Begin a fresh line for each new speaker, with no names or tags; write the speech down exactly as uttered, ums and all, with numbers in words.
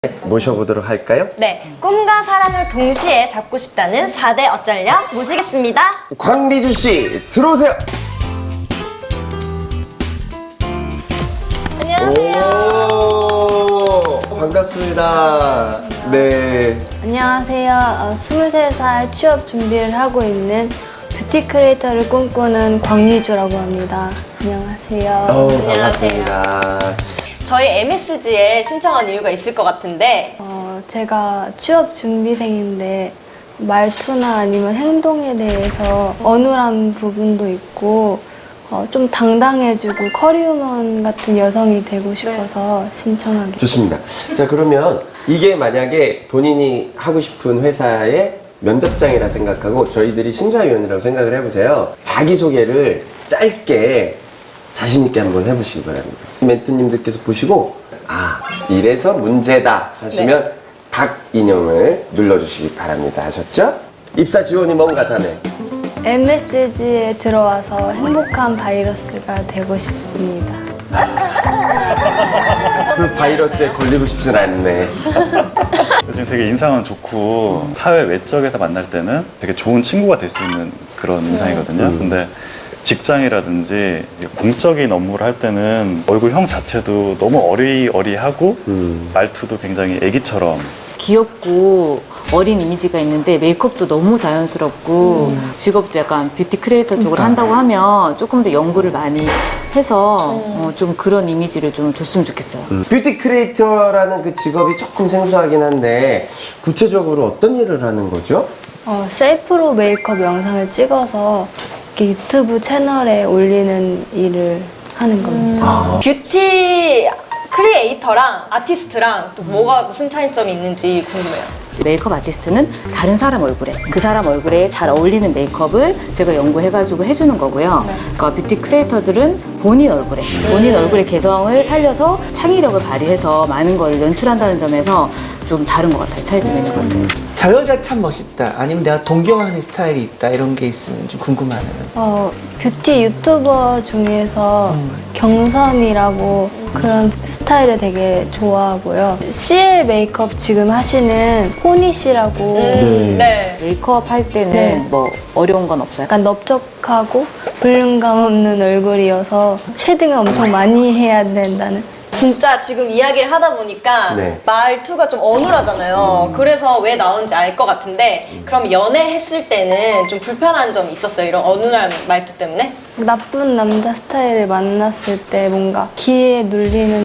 모셔보도록 할까요?
네, 꿈과 사랑을 동시에 잡고 싶다는 사 대 어쩔녀 모시겠습니다.
광미주 씨 들어오세요.
안녕하세요.
오, 반갑습니다. 네.
안녕하세요. 어, 스물세 살 취업 준비를 하고 있는 뷰티 크리에이터를 꿈꾸는 광미주라고 합니다. 안녕하세요.
어,
안녕하세요.
반갑습니다.
저희 엠에스지에 신청한 이유가 있을 것 같은데
어, 제가 취업 준비생인데 말투나 아니면 행동에 대해서 어눌한 부분도 있고 어, 좀 당당해지고 커리우먼 같은 여성이 되고 싶어서 신청하게
좋습니다. 자, 그러면 이게 만약에 본인이 하고 싶은 회사의 면접장이라 생각하고 저희들이 심사위원이라고 생각을 해보세요. 자기소개를 짧게 자신있게 한번 해보시기 바랍니다. 멘토님들께서 보시고 아, 이래서 문제다 하시면
네.
닭 인형을 눌러주시기 바랍니다. 아셨죠? 입사 지원이 뭔가 자네?
엠에스지에 들어와서 행복한 바이러스가 되고 싶습니다.
그 바이러스에 걸리고 싶진 않네.
지금 되게 인상은 좋고 사회 외적에서 만날 때는 되게 좋은 친구가 될 수 있는 그런 인상이거든요.
음.
근데 직장이라든지 공적인 업무를 할 때는 얼굴형 자체도 너무 어리어리하고
음.
말투도 굉장히 애기처럼
귀엽고 어린 이미지가 있는데 메이크업도 너무 자연스럽고 직업도 약간 뷰티 크리에이터 쪽으로 한다고 하면 조금 더 연구를 많이 해서 어, 좀 그런 이미지를 좀 줬으면 좋겠어요.
음. 뷰티 크리에이터라는 그 직업이 조금 생소하긴 한데 구체적으로 어떤 일을 하는 거죠?
어, 셀프로 메이크업 영상을 찍어서 이렇게 유튜브 채널에 올리는 일을 하는 겁니다.
뷰티 크리에이터랑 아티스트랑 또 뭐가 무슨 차이점이 있는지 궁금해요.
메이크업 아티스트는 다른 사람 얼굴에 그 사람 얼굴에 잘 어울리는 메이크업을 제가 연구해가지고 해주는 거고요. 그러니까 뷰티 크리에이터들은 본인 얼굴에 본인 얼굴의 개성을 살려서 창의력을 발휘해서 많은 걸 연출한다는 점에서 좀 다른 것 같아요. 차이점이 있는 것 같아요.
저 여자 참 멋있다. 아니면 내가 동경하는 스타일이 있다. 이런 게 있으면 좀 궁금하네요.
어, 뷰티 유튜버 중에서 경선이라고 그런 스타일을 되게 좋아하고요. 씨엘 메이크업 지금 하시는 호니 씨라고
음, 네.
메이크업 할 때는
네.
뭐 어려운 건 없어요?
약간 넓적하고 볼륨감 없는 얼굴이어서 쉐딩을 엄청 많이 해야 된다는.
진짜 지금 이야기를 하다 보니까
네.
말투가 좀 어눌하잖아요. 그래서 왜 나오는지 알 것 같은데 그럼 연애했을 때는 좀 불편한 점이 있었어요? 이런 어눌한 말투 때문에?
나쁜 남자 스타일을 만났을 때 뭔가 기에 눌리는